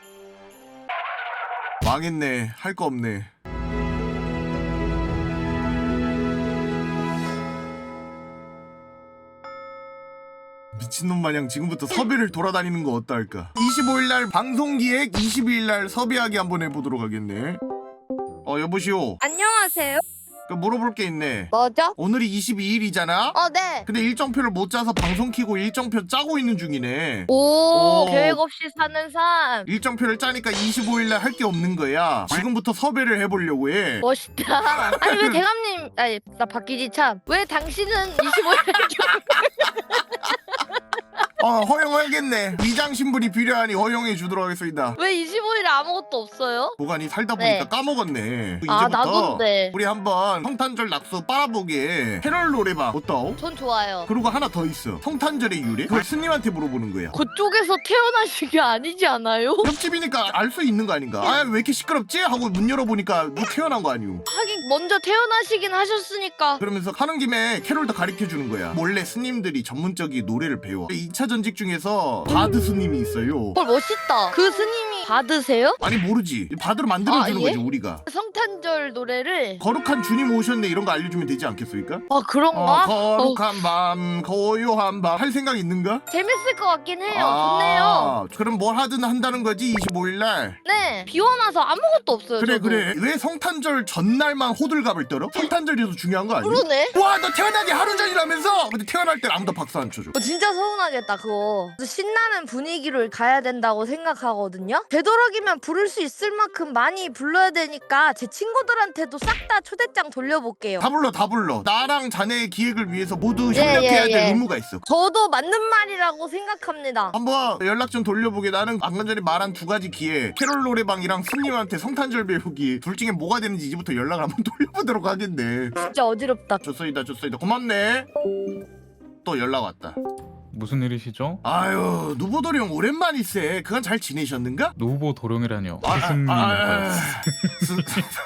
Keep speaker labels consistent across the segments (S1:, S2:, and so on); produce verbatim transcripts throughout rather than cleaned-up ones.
S1: 망했네. 할 거 없네. 미친놈 마냥 지금부터 섭외를 돌아다니는 거 어떨까? 이십오일날 방송기획, 이십이일날 섭외하기 한번 해보도록 하겠네. 어 여보시오.
S2: 안녕하세요.
S1: 그 물어볼 게 있네.
S2: 뭐죠?
S1: 오늘이 이십이일이잖아?
S2: 어, 네.
S1: 근데 일정표를 못 짜서 방송 키고 일정표 짜고 있는 중이네.
S2: 오,
S1: 오.
S2: 계획 없이 사는 삶.
S1: 일정표를 짜니까 이십오일날 할 게 없는 거야. 지금부터 섭외를 해보려고 해.
S2: 멋있다. 아니 왜 대감님, 아니 나 바뀌지 참. 왜 당신은 이십오일
S1: 어 허용하겠네. 위장 신분이 필요하니 허용해 주도록 하겠습니다.
S2: 왜 이십오일에 아무것도 없어요?
S1: 보관이 살다 보니까
S2: 네.
S1: 까먹었네.
S2: 아,
S1: 이제부터
S2: 나도인데.
S1: 우리 한번 성탄절 낙서 빨아보게 캐럴 노래방 어떠?
S2: 전 좋아요.
S1: 그리고 하나 더 있어. 성탄절의 유래? 그걸 스님한테 물어보는 거야.
S2: 그쪽에서 태어나신 게 아니지 않아요?
S1: 옆집이니까 알 수 있는 거 아닌가? 아 왜 이렇게 시끄럽지? 하고 문 열어보니까 뭐 태어난 거 아니오.
S2: 하긴 먼저 태어나시긴 하셨으니까.
S1: 그러면서 하는 김에 캐롤도 가르쳐주는 거야. 몰래 스님들이 전문적인 노래를 배워. 이 차 전직 중에서 바드 스님이 있어요.
S2: 헐 멋있다. 그 스님이 받으세요?
S1: 아니 모르지. 바드로 만들어주는
S2: 아, 예?
S1: 거지 우리가.
S2: 성탄절 노래를.
S1: 거룩한 주님 오셨네 이런 거 알려주면 되지 않겠습니까?
S2: 아 그런가?
S1: 어, 거룩한 밤 고요한 밤 할 생각 있는가?
S2: 재밌을 것 같긴 해요.
S1: 아,
S2: 좋네요.
S1: 그럼 뭘 하든 한다는 거지 이십오일날.
S2: 네. 비워놔서 아무것도 없어요.
S1: 그래
S2: 저도.
S1: 그래. 왜 성탄절 전날만 호들갑을 떨어? 성탄절이 더 중요한 거 아니야?
S2: 그러네.
S1: 와 너 태어나기 하루 전이라면서? 근데 태어날 땐 아무도 박수 안 쳐줘.
S2: 어, 진짜 서운하겠다 그거. 신나는 분위기를 가야 된다고 생각하거든요. 되도록이면 부를 수 있을 만큼 많이 불러야 되니까 제 친구들한테도 싹 다 초대장 돌려볼게요.
S1: 다 불러 다 불러. 나랑 자네의 기획을 위해서 모두
S2: 예,
S1: 협력해야
S2: 예,
S1: 될
S2: 예.
S1: 의무가 있어.
S2: 저도 맞는 말이라고 생각합니다.
S1: 한번 연락 좀 돌려보게. 나는 방금 전에 말한 두 가지 기회, 캐롤 노래방이랑 스님한테 성탄절 배우기, 둘 중에 뭐가 되는지 이제부터 연락을 한번 돌려보도록 하겠네.
S2: 진짜 어지럽다.
S1: 좋소이다 좋소이다. 고맙네. 또 연락 왔다.
S3: 무슨 일이시죠?
S1: 아유 누보돌이 형 오랜만이세. 그간 잘 지내셨는가?
S3: 노후보 도령이라뇨.
S1: 아,
S3: 스승님.
S1: 아, 아, 스,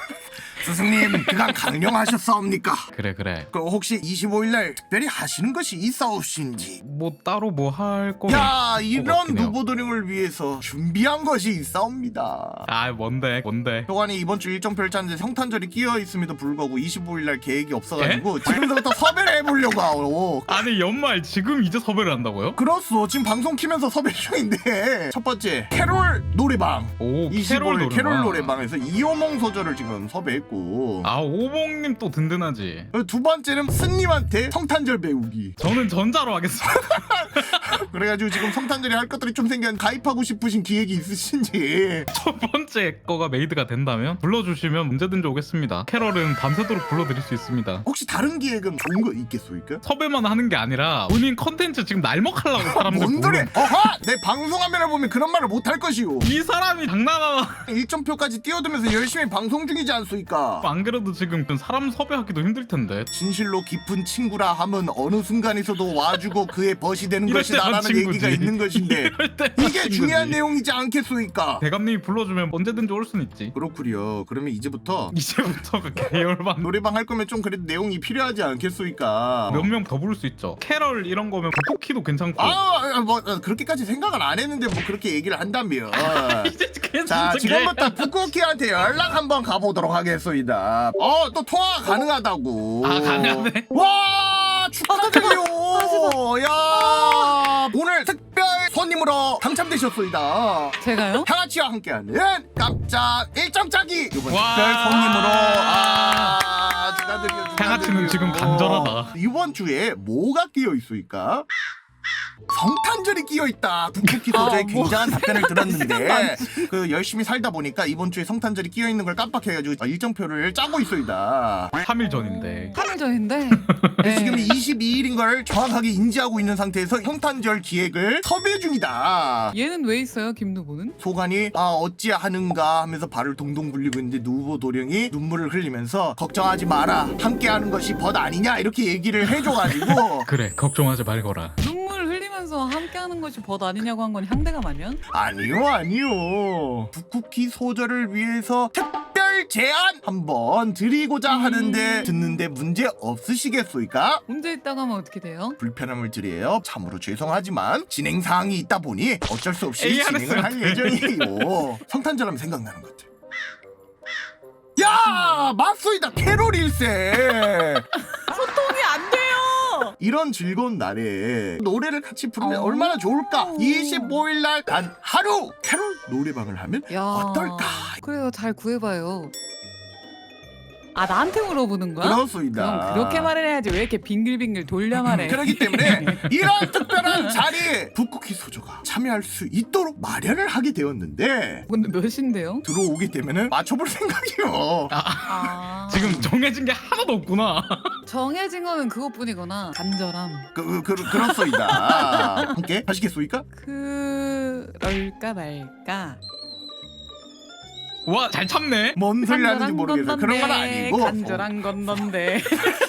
S1: 스승님 그간 강령하셨사옵니까?
S3: 그래 그래.
S1: 그 혹시 이십오일날 특별히 하시는 것이 있사옵신지?
S3: 뭐 따로 뭐 할 거면.
S1: 야 이런
S3: 같긴 해요.
S1: 누보도령을 위해서 준비한 것이 있사옵니다.
S3: 아 뭔데 뭔데.
S1: 교관이 이번 주 일정표를 짰는데 성탄절이 끼어 있음에도 불구하고 이십오일날 계획이 없어가지고 지금부터 섭외를 해보려고 하오.
S3: 아니 연말 지금 이제 섭외를 한다고요?
S1: 그렇소. 지금 방송 키면서 섭외 중인데 첫 번째 캐롤 노래방.
S3: 오
S1: 이십오일
S3: 캐롤
S1: 캐롤
S3: 노래방.
S1: 노래방에서 이호몽 소절을 지금 섭외했고
S3: 아 오봉님 또 든든하지.
S1: 두 번째는 스님한테 성탄절 배우기.
S3: 저는 전자로 하겠습니다.
S1: 그래가지고 지금 성탄절에 할 것들이 좀 생긴 가입하고 싶으신 기획이 있으신지.
S3: 첫 번째 거가 메이드가 된다면 불러주시면 언제든지 오겠습니다. 캐럴은 밤새도록 불러드릴 수 있습니다.
S1: 혹시 다른 기획은 좋은 거 있겠소니까?
S3: 섭외만 하는 게 아니라 본인 컨텐츠 지금 날먹하려고 사람들
S1: 뭔 소리?
S3: 부르는-
S1: 어하! 내 방송화면을 보면 그런 말을 못 할 것이오.
S3: 이 사람이 장난하나.
S1: 일정표까지 띄워두면서 열심히 방송 중이지 않소이까?
S3: 안 그래도 지금 사람 섭외하기도 힘들 텐데.
S1: 진실로 깊은 친구라 함은 어느 순간에서도 와주고 그의 벗이 되는
S3: 이럴 때만
S1: 것이다라는
S3: 친구지.
S1: 얘기가 있는 것인데
S3: 이럴 때만
S1: 이게
S3: 친구지.
S1: 중요한 내용이지 않겠소이까?
S3: 대감님이 불러주면 언제든지 올 순 있지.
S1: 그렇구려. 그러면 이제부터
S3: 이제부터 그 계열반
S1: 노래방 할 거면 좀 그래도 내용이 필요하지 않겠소이까?
S3: 몇 명 더 부를 수 있죠. 캐럴 이런 거면 쿠키도 괜찮고.
S1: 아, 뭐 어, 그렇게까지 생각은 안 했는데 뭐 그렇게 얘기를 한다며.
S3: 이제 괜찮은
S1: 자,
S3: 게.
S1: 지금부터 북쿠키한테 연락 한번 가보도록 하겠소이다. 어, 또 통화 가능하다고.
S3: 아 가능하네.
S1: 와, 축하드려요. 야, 오늘 특별 손님으로 당첨되셨소이다.
S4: 제가요?
S1: 향아치와 함께하는 깜짝 일정 짜기 이번
S3: 와.
S1: 특별 손님으로 아 축하드려요.
S3: 향아치는 지금 간절하다.
S1: 이번 주에 뭐가 끼어 있으니까? 성탄절이 끼어 있다. 북쿠키 소저의
S4: 아, 뭐
S1: 굉장한 답변을 들었는데
S4: 많지.
S1: 그 열심히 살다 보니까 이번 주에 성탄절이 끼어 있는 걸 깜빡해가지고 일정표를 짜고 있어이다.
S3: 삼 일 전인데.
S4: 삼 일 전인데
S1: 그래서 지금 이십이일인 걸 정확하게 인지하고 있는 상태에서 성탄절 기획을 섭외 중이다.
S4: 얘는 왜 있어요, 김누보는?
S1: 소관이 아 어찌하는가 하면서 발을 동동 굴리고 있는데 누보 도령이 눈물을 흘리면서 걱정하지 마라 함께하는 것이 벗 아니냐 이렇게 얘기를 해줘가지고
S3: 그래 걱정하지 말거라.
S4: 눈물 흘리면서 함께하는 것이 벗 아니냐고 한 건 향대감 아니야?
S1: 아니요 아니요 북쿠키 소절을 위해서 특별 오늘 제안 한번 드리고자 하는데 듣는데 문제 없으시겠소이까?
S4: 문제 있다고 하면 어떻게 돼요?
S1: 불편함을 드려요. 참으로 죄송하지만 진행 사항이 있다 보니 어쩔 수 없이
S3: 에이,
S1: 진행을 할
S3: 알았어요.
S1: 예정이에요. 성탄절하면 생각나는 것들. 야, 맞소이다. 캐롤 일세.
S4: 소통이 안 돼요.
S1: 이런 즐거운 날에 노래를 같이 부르면
S4: 어.
S1: 얼마나 좋을까? 이십오 일 날 단 하루 캐롤 노래방을 하면
S4: 야.
S1: 어떨까?
S4: 그래요, 잘 구해봐요. 아, 나한테 물어보는 거야?
S1: 그렇소이다.
S4: 그럼 그렇게 말을 해야지. 왜 이렇게 빙글빙글 돌려 말해?
S1: 그렇기 때문에 이런 특별한 자리에 북쿠키 소조가 참여할 수 있도록 마련을 하게 되었는데
S4: 근데 몇인데요?
S1: 들어오게 되면은 맞춰볼 생각이요.
S4: 아,
S3: 지금 정해진 게 하나도 없구나.
S4: 정해진 거는 그것뿐이구나. 간절함.
S1: 그, 그, 그렇소이다. 함께 하시겠소이까?
S4: 그럴까 말까.
S3: 와, 잘 참네.
S1: 뭔 소리 하는지
S4: 간절한
S1: 모르겠어.
S4: 건
S1: 그런 건
S4: 넌데,
S1: 아니고.
S4: 간절한 건 넌데.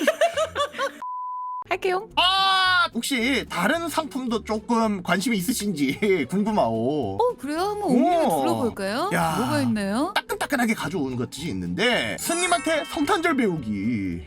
S4: 할게요.
S1: 아, 혹시 다른 상품도 조금 관심이 있으신지 궁금하오.
S4: 어, 그래요? 한번 옮겨
S1: 오.
S4: 둘러볼까요?
S1: 야.
S4: 뭐가 있나요?
S1: 따끈따끈하게 가져온 것들이 있는데 스님한테 성탄절 배우기.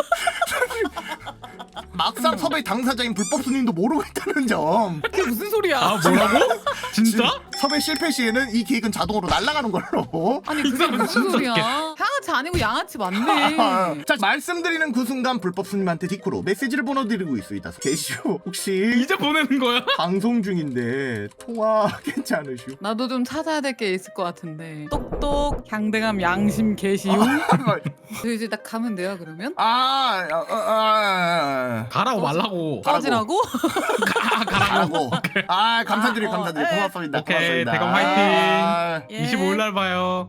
S1: 막상 섭외 당사자인 불법 스님도 모르고 있다는 점.
S4: 그게 무슨 소리야?
S3: 아, 뭐라고? 진짜?
S1: 섭외 실패 시에는 이 계획은 자동으로 날아가는 걸로.
S4: 아니 그게
S3: 사람
S4: 무슨
S3: 진짜
S4: 소리야?
S3: 웃겨.
S4: 향아치 아니고 양아치 맞네.
S1: 자, 말씀드리는 그 순간 불법 스님한테 디코로 메시지를 보내드리고 있습니다. 계시오. 혹시
S3: 이제 보내는 거야?
S1: 방송 중인데 통화 괜찮으시오?
S4: 나도 좀 찾아야 될 게 있을 것 같은데. 똑똑 향대감 양심 개시우. 저 이제 딱 가면 돼요 그러면?
S1: 아, 아, 아, 아,
S3: 가라고 말라고.
S1: 가라고.
S4: 꺼지라고?
S3: 가, 가라고.
S1: 가라고. 아, 감사드려,
S4: 아, 어,
S1: 감사드려.
S4: 에.
S1: 고맙습니다.
S3: 오케이,
S1: 고맙습니다.
S3: 대감 화이팅.
S1: 아,
S4: 예.
S3: 이십오 일 날 봐요.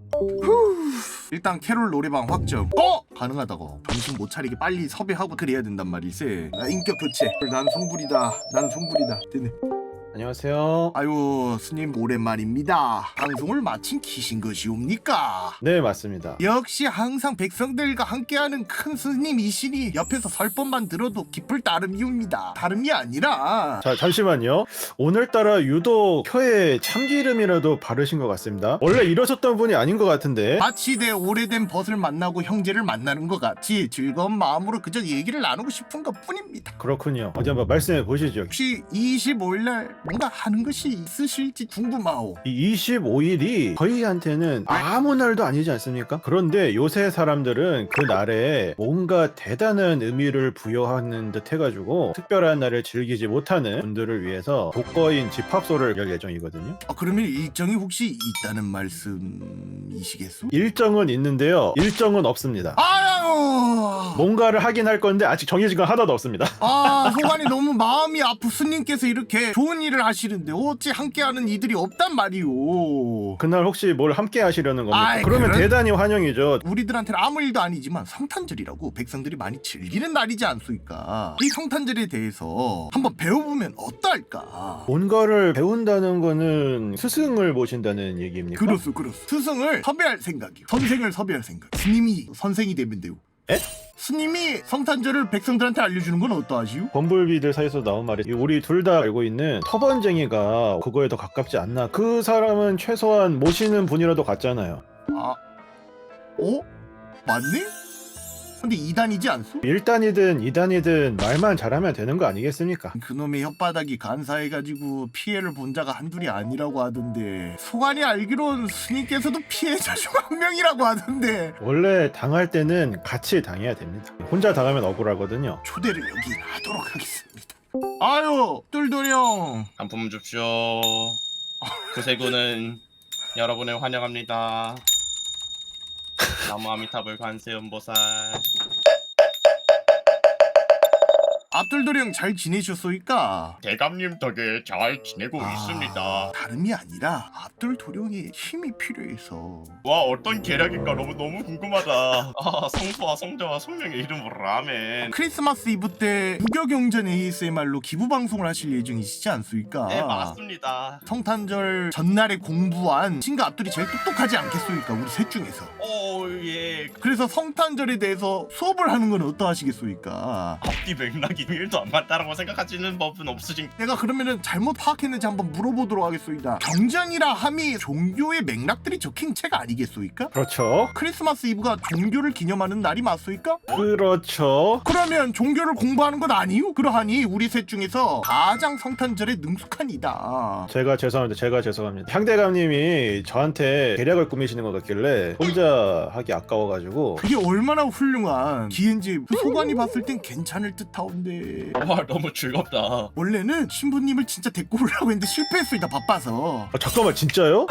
S1: 일단 캐롤 노래방 확정. 어? 가능하다고. 정신 못 차리게 빨리 섭외하고 그래야 된단 말이지. 나 인격 교체. 난 송불이다. 난 송불이다. 됐네.
S5: 안녕하세요.
S1: 아유, 스님 오랜만입니다. 방송을 마친 키신 것이옵니까?
S5: 네, 맞습니다.
S1: 역시 항상 백성들과 함께하는 큰 스님이시니 옆에서 설법만 들어도 기쁠 따름이옵니다. 다름이 아니라
S5: 자, 잠시만요. 오늘따라 유독 혀에 참기름이라도 바르신 것 같습니다. 원래 이러셨던 분이 아닌 것 같은데.
S1: 마치 내 오래된 벗을 만나고 형제를 만나는 것 같이 즐거운 마음으로 그저 얘기를 나누고 싶은 것 뿐입니다.
S5: 그렇군요. 어디 한번 말씀해 보시죠.
S1: 혹시 이십오 일 날 뭔가 하는 것이 있으실지 궁금하오.
S5: 이 이십오 일이 저희한테는 아무 날도 아니지 않습니까? 그런데 요새 사람들은 그 날에 뭔가 대단한 의미를 부여하는 듯 해가지고 특별한 날을 즐기지 못하는 분들을 위해서 독거인 집합소를 열 예정이거든요.
S1: 아, 그러면 일정이 혹시 있다는 말씀이시겠소?
S5: 일정은 있는데요. 일정은 없습니다.
S1: 아유!
S5: 뭔가를 하긴 할 건데 아직 정해진 건 하나도 없습니다.
S1: 아, 소관이 너무 마음이 아프 스님께서 이렇게 좋은 일을 하시는데 어찌 함께하는 이들이 없단 말이오.
S5: 그날 혹시 뭘 함께 하시려는 겁니까?
S1: 아이,
S5: 그러면
S1: 그런-
S5: 대단히 환영이죠.
S1: 우리들한테는 아무 일도 아니지만 성탄절이라고 백성들이 많이 즐기는 날이지 않습니까? 이 성탄절에 대해서 한번 배워보면 어떨까?
S5: 뭔가를 배운다는 거는 스승을 모신다는 얘기입니까?
S1: 그렇소, 그렇소. 스승을 섭외할 생각이요. 선생을 섭외할 생각. 스님이 선생이 되면 돼요.
S5: 에?
S1: 스님이 성탄절을 백성들한테 알려주는 건 어떠하시오?
S5: 범블비들 사이에서 나온 말이 우리 둘 다 알고 있는 터번쟁이가 그거에 더 가깝지 않나. 그 사람은 최소한 모시는 분이라도 같잖아요.
S1: 아, 어? 맞네? 근데 이단이지 않소?
S5: 일 단이든 이 단이든 말만 잘하면 되는 거 아니겠습니까?
S1: 그놈의 혓바닥이 간사해가지고 피해를 본 자가 한둘이 아니라고 하던데 소관이 알기론 스님께서도 피해자 중 한 명이라고 하던데
S5: 원래 당할 때는 같이 당해야 됩니다. 혼자 당하면 억울하거든요.
S1: 초대를 여기 하도록 하겠습니다. 아유, 똘똘이 형.
S6: 단품 줍쇼. 구세군은 여러분을 환영합니다. 나무 아미타불 관세음보살.
S1: 앞돌돌이 형 잘 지내셨소이까?
S6: 대감님 덕에 잘 지내고
S1: 아,
S6: 있습니다.
S1: 다름이 아니라 앞돌돌이 형이 힘이 필요해서.
S6: 와, 어떤 계략인가 너무 너무 궁금하다. 아, 성소와 성자와 성령의 이름으로 라멘.
S1: 크리스마스 이브 때 무교경전 에이에스엠알로 기부 방송을 하실 예정이시지 않소이까?
S6: 네, 맞습니다.
S1: 성탄절 전날에 공부한 친구 앞돌이 제일 똑똑하지 않겠소이까? 우리 셋 중에서.
S6: 오, 예.
S1: 그래서 성탄절에 대해서 수업을 하는 건 어떠하시겠소이까?
S6: 앞뒤 맥락이 일도 안 맞다라고 생각하시는 법은 없으신.
S1: 내가 그러면은 잘못 파악했는지 한번 물어보도록 하겠소이다. 경전이라 함이 종교의 맥락들이 적힌 책 아니겠소이까?
S5: 그렇죠.
S1: 크리스마스 이브가 종교를 기념하는 날이 맞소이까?
S5: 그렇죠.
S1: 그러면 종교를 공부하는 건 아니요? 그러하니 우리 셋 중에서 가장 성탄절에 능숙한 이다.
S5: 제가 죄송합니다. 제가 죄송합니다. 향대감님이 저한테 계략을 꾸미시는 것 같길래 혼자 하기 아까워가지고
S1: 그게 얼마나 훌륭한 기엔지 소관이 봤을 땐 괜찮을 듯하온데
S6: 와 너무 즐겁다.
S1: 원래는 신부님을 진짜 데리고 오려고 했는데 실패했소이다. 바빠서.
S5: 아, 잠깐만 진짜요?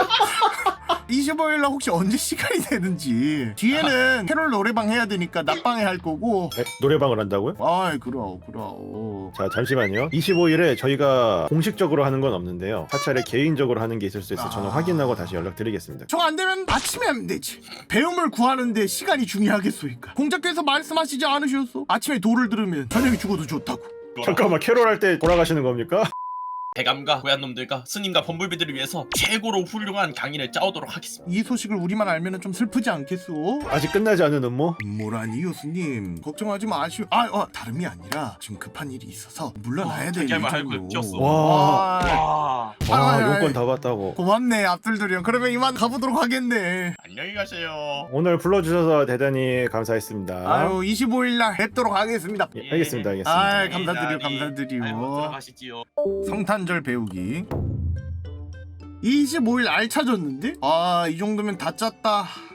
S1: 이십오일날 혹시 언제 시간이 되는지. 뒤에는 캐롤 노래방 해야 되니까 낮방에 할 거고.
S5: 에? 노래방을 한다고요?
S1: 아이 그럼 그럼.
S5: 자 잠시만요. 이십오일에 저희가 공식적으로 하는 건 없는데요. 사찰에 개인적으로 하는 게 있을 수 있어서 저는
S1: 아.
S5: 확인하고 다시 연락드리겠습니다.
S1: 저 안 되면 아침에 하면 되지. 배움을 구하는데 시간이 중요하겠소이까. 공자께서 말씀하시지 않으셨소? 아침에 도를 들으면 저녁에 죽어도 좋다고.
S5: 잠깐만 캐롤 할 때 돌아가시는 겁니까?
S6: 대감과 고얀놈들과 스님과 범불비들을 위해서 최고로 훌륭한 강의를 짜오도록 하겠습니다.
S1: 이 소식을 우리만 알면 좀 슬프지 않겠소?
S5: 아직 끝나지 않은 음모?
S1: 뭐라니 교수님 걱정하지 마시오. 아 어, 다름이 아니라 지금 급한 일이 있어서 물러나야
S6: 어,
S1: 되는
S6: 자기야만 할 거
S1: 일정이오.
S6: 없었어.
S5: 와.
S1: 아,
S6: 와
S5: 와
S1: 아이,
S5: 용건
S1: 아이.
S5: 다 봤다고.
S1: 고맙네 압둘들이 형. 그러면 이만 가보도록 하겠네.
S6: 안녕히 가세요.
S5: 오늘 불러주셔서 대단히 감사했습니다.
S1: 아유 이십오일날 뵙도록 하겠습니다.
S5: 예, 알겠습니다. 알겠습니다.
S1: 아 감사드려
S6: 아이고,
S1: 감사드려.
S6: 들어가시지요.
S1: 성탄절 배우기. 이십오일 알 찾았는데? 아 이 정도면 다 짰다.